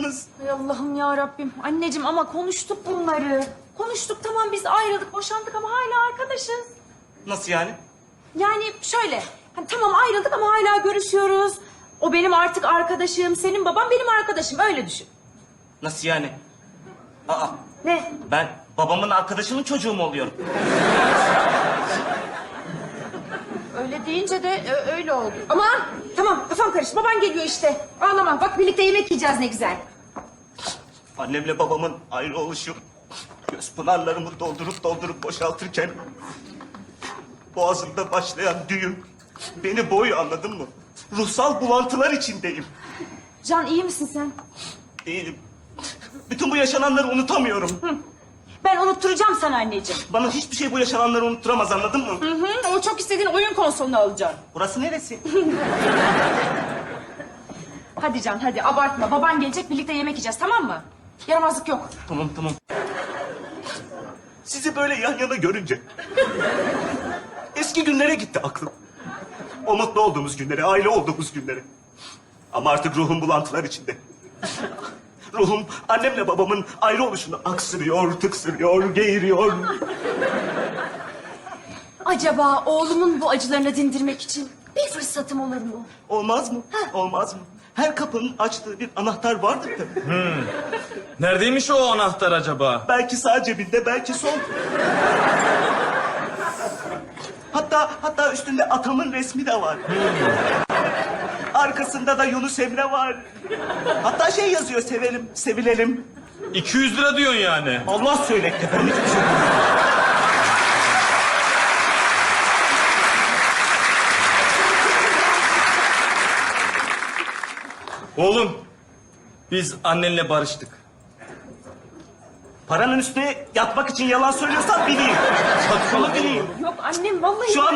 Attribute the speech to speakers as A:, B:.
A: yaptınız?
B: Ay Allah'ım ya Rabbim. Anneciğim ama konuştuk bunları. Konuştuk, tamam, biz ayrıldık, boşandık ama hala arkadaşız.
A: Nasıl yani?
B: Yani şöyle, hani tamam ayrıldık ama hala görüşüyoruz. O benim artık arkadaşım, senin baban benim arkadaşım, öyle düşün.
A: Nasıl yani? Aa,
B: Ne?
A: ben babamın arkadaşının çocuğu mu oluyorum?
B: Öyle deyince de öyle oldu. Aman tamam, kafam karıştı, baban geliyor işte. Ağlama, bak birlikte yemek yiyeceğiz ne güzel.
A: Annemle babamın ayrı oluşu göz pınarlarımı doldurup boşaltırken boğazımda başlayan düğüm beni boğuyor, anladın mı? Ruhsal bulantılar içindeyim.
B: Can, iyi misin sen?
A: Değilim. Bütün bu yaşananları unutamıyorum.
B: Ben unutturacağım sana anneciğim.
A: Bana hiçbir şey bu yaşananları unutturamaz, anladın mı?
B: Hı hı, o çok istediğin oyun konsolunu alacaksın.
A: Burası neresi?
B: Hadi Can, hadi abartma. Baban gelecek, birlikte yemek yiyeceğiz, tamam mı? Yaramazlık yok.
A: Tamam. Sizi böyle yan yana görünce eski günlere gitti aklım. O mutlu olduğumuz günlere, aile olduğumuz günlere. Ama artık ruhum bulantılar içinde. Ruhum annemle babamın ayrı oluşunu aksırıyor, tıksırıyor, geğiriyor.
B: Acaba oğlumun bu acılarını dindirmek için bir fırsatım olur mu?
A: Olmaz mı? Olmaz mı? Her kapının açtığı bir anahtar vardır tabii.
C: Neredeymiş o anahtar acaba?
A: Belki sağ cebinde, belki sol. Hatta üstünde atamın resmi de var. Arkasında da Yunus Emre var. Hatta şey yazıyor, sevelim, sevilelim.
C: 200 lira diyorsun yani.
A: Allah söyletti, ben hiçbir şey bilmiyorum.
C: Oğlum, biz annenle barıştık.
A: Paranın üstüne yatmak için yalan söylüyorsan bileyim. Bunu bileyim.
B: Yok annem, vallahi...
A: Şu an